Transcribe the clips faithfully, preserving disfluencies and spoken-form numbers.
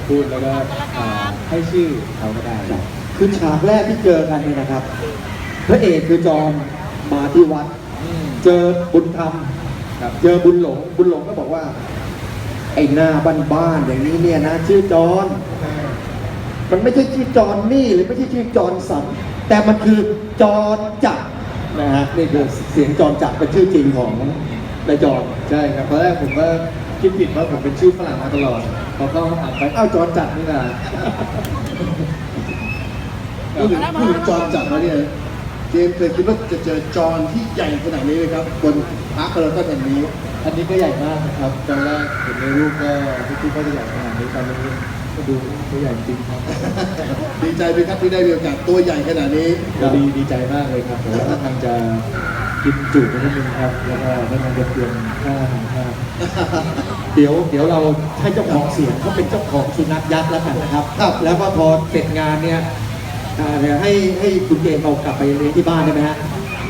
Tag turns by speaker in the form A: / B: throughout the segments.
A: พูดแล้วก็ให้ชื่อเขาก็ได้
B: คือฉากแรกที่เจอกันเนี่ยนะครับพระเอกคือจอมมาที่วัดเจอบุญธรรมเจอบุญหลงบุญหลงก็บอกว่าไอ้หน้าบ้านๆอย่างนี้เนี่ยนะชื่อจอนมันไม่ใช่ชื่อจอนนี่หรือไม่ใช่ชื่อจอนสันแต่มันคือจอนจักรนะฮะนี่คือเสียงจอนจักรเป็นชื่อจริงของนายจอน
A: ใช่ครับตอนแรกผมก็คิดผิดว่าผมเป็นชื่อฝรั่งมาตลอดพอเข้ามาอ่านไปอ้าวจอนจักรนี่นะ
C: พูดถึงพูดถึงจอนจักรแล้วเนี่ยเจมส์เคยคิดว่าจะเจอจอนที่ใหญ่ขนาดนี้ไหมครับบนพาร์คพารากอนแห่งนี้
A: อันนี้ก็ใหญ่มากนะครับตอนแรกเห็นในรูปก็ไม่คิดว่าจะใหญ่ขนาดนี้ตอนนี้ก็ดูตัวใหญ่จริงครับ
C: ดีใจไหมครับที่ได้มีโอกาสตัวใหญ่ขนาดนี้
A: ดีดีใจมากเลยครับแต่ว่าทางจะกินจุไปนิดนึงครับแล้วก็ทางจะเตรียมค่าอาหารค่า
B: เดี๋ยวเดี๋ยวเราให้เจ้าของเสียงเขาเป็นเจ้าของสุนัขยักษ์แล้วกันนะครับครับแล้วก็พอเสร็จงานเนี่ยเดี๋ยวให้ให้คุณเจมส์เอากลับไปเลี้ยงที่บ้านได้ไหมฮะ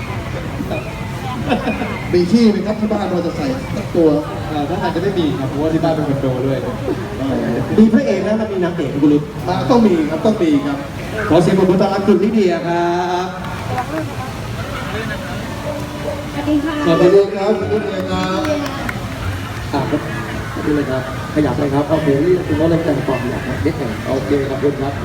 C: มีที่ไหมครับที่บ้านเราจะใส่สักตัว
A: ถ้าอาจจะไม่มีครับเพราะว่าที่บ้านเป็นคอนโดด้วย
B: มีพระเอกแล้วมันมีนางเอกคุณลุง
C: ต้องมีครับต้องมีครับ
B: ขอเสียงปรบมือต้อนรับคุณลิเดียครับ
D: สวัสดีค่ะ
C: สวัสดีครับสวัสดีครับ
B: อ่าครับนี่เลยครับขยับเลยครับโอเคนี่คุณน้องเล่นแต่งต่อขยับเด็กแข่งโอเคครับคุณครับ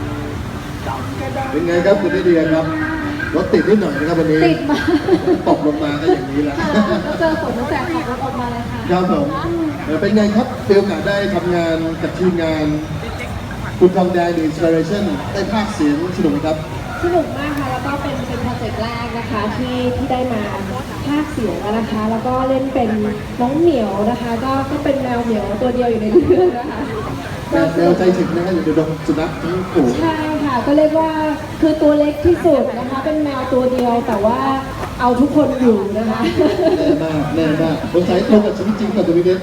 C: เป็นไงครับคุณลิเดียครับรถติดนิดหน่อยนะครับวันนี้
D: ติดมา
C: ตกลงมาก็อย่างนี้แหละ
D: เจอฝนตั้งแต่ขับรถออกมาเลยค่ะ
C: ครับผมเป็นไงครับมีโอกาสได้ทำงานกับทีมงานคุณทองแดงหรือ Inspiration ได้ภาคเสียงสนุกครับ
D: สนุกมากค่ะแล้วก็เป็นเป็นโปรเจกต์แรกนะคะที่ที่ได้มาภาคเสียงนะคะ แล้วก็เล่นเป็นน้องเหมียวนะคะ ก็ก็เป็นแมวเหมียวตัวเดียวอยู่ในเรื่องนะคะ
C: แมวใจถึงนะฮะอยู่ในดงสุนัขทั้งฝูง
D: ใช่ค่ะก็เรียกว่าคือตัวเล็กที่สุดนะคะเป็นแมวตัวเดียวแต่ว่าเอาทุกคนอยู่นะคะ
C: แน่มากแน่มากสงสัยตรงกับชีวิตจริงกับตัวนี้เด็ด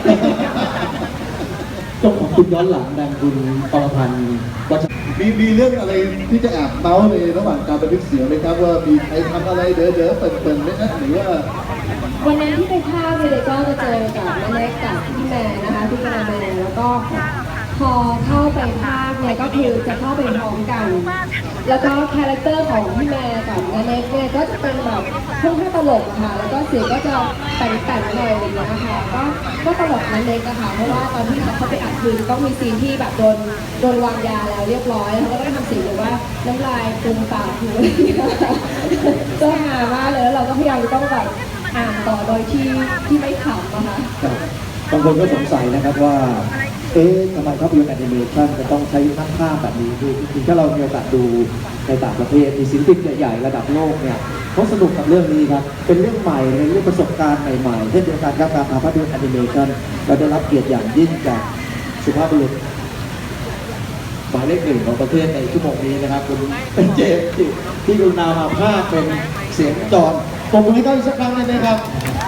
B: เจ้าของคุณย้อนหลังดังคุณปรพันธ์วัช
C: มีมีเรื่องอะไรที่จะแอบเมาส์ในระหว่างการบันทึกเสียงไหมครับว่ามีใครทำอะไรเด๋อเด๋อเปิดเปิดไหมนะหรือว่า
D: วันนั้นที่ไปภาคเนี่ยก็จะเจอกับแม่เล็กกับพี่แม่นะคะพี่กระแมแล้วก็พอเข้าไปภาคเนี่ยก็คือจะเข้าไปพร้อมกันแล้วก็คาแรคเตอร์ของพี่แม่กับแม่เล็กเนี่ยก็จะเป็นแบบค่อนข้างตลกค่ะแล้วก็เสียงก็จะแต่งๆหน่อยอะไรอย่างเงี้ยค่ะก็ก็ตลกแม่เล็กอะค่ะเพราะว่าตอนที่เราเข้าไปอัดคือต้องมีซีนที่แบบโดนโดนวางยาแล้วเรียบร้อยแล้วก็ต้องทำเสียงแบบว่าน้ำลายฟูมปากอยู่อะไรอย่างเงี้ยก็หามากเลยแล้วเราก็พยายามต้องแบบอ่านต่อโดยที่ที่ไม่ขำนะคะ
B: บางคนก็สงสัยนะครับว่าเอ๊ะทำไมภาพยนตร์แอนิเมชันจะต้องใช้นักภาพแบบนี้คือจริงๆถ้าเรามีโอกาสดูในต่างประเทศมีศิลปินใหญ่ๆระดับโลกเนี่ยเขาสนุกกับเรื่องนี้ครับเป็นเรื่องใหม่เป็นเรื่องประสบการณ์ใหม่ๆเช่นเดียวกันครับการทำภาพยนตร์แอนิเมชันเราได้รับเกียรติอย่างยิ่งจากสุภาพบุรุษหมายเลขหนึ่งของประเทศในชั่วโมงนี้นะครับคุณเป็นเจมส์ที่กรุณามาภาคเป็นเสียงจอนผมให้เขาอีกสักครั้งได้ไหมครับ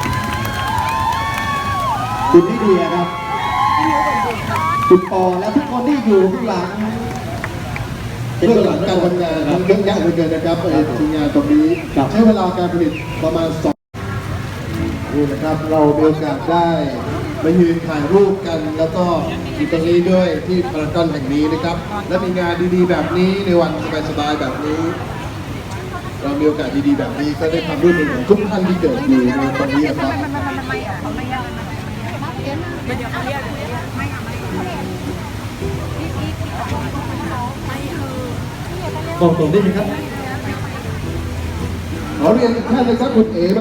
B: คุณลิเดียครับคุณปอและทุกคนที่อยู่ข้างหลัง
C: เรื่องหลังการทำงานเยอะแยะเหลือเกินนะครับทีมงานตรงนี้ใช้เวลาการผลิตประมาณสองนี่นะครับเรามีโอกาสได้มายืนถ่ายรูปกันแล้วก็อยู่ตรงนี้ด้วยที่พารากอนแห่งนี้นะครับและมีงานดีๆแบบนี้ในวันสบายๆแบบนี้เรามีโอกาสดีๆแบบนี้ก็ได้ทำร่วมมือของทุกท่านที่เกิดอยู่ในตรงนี้นะครับ
B: บอกตรงได้ไหมครับ
C: ขอเรียนท่านเลยครับคุณเอ๋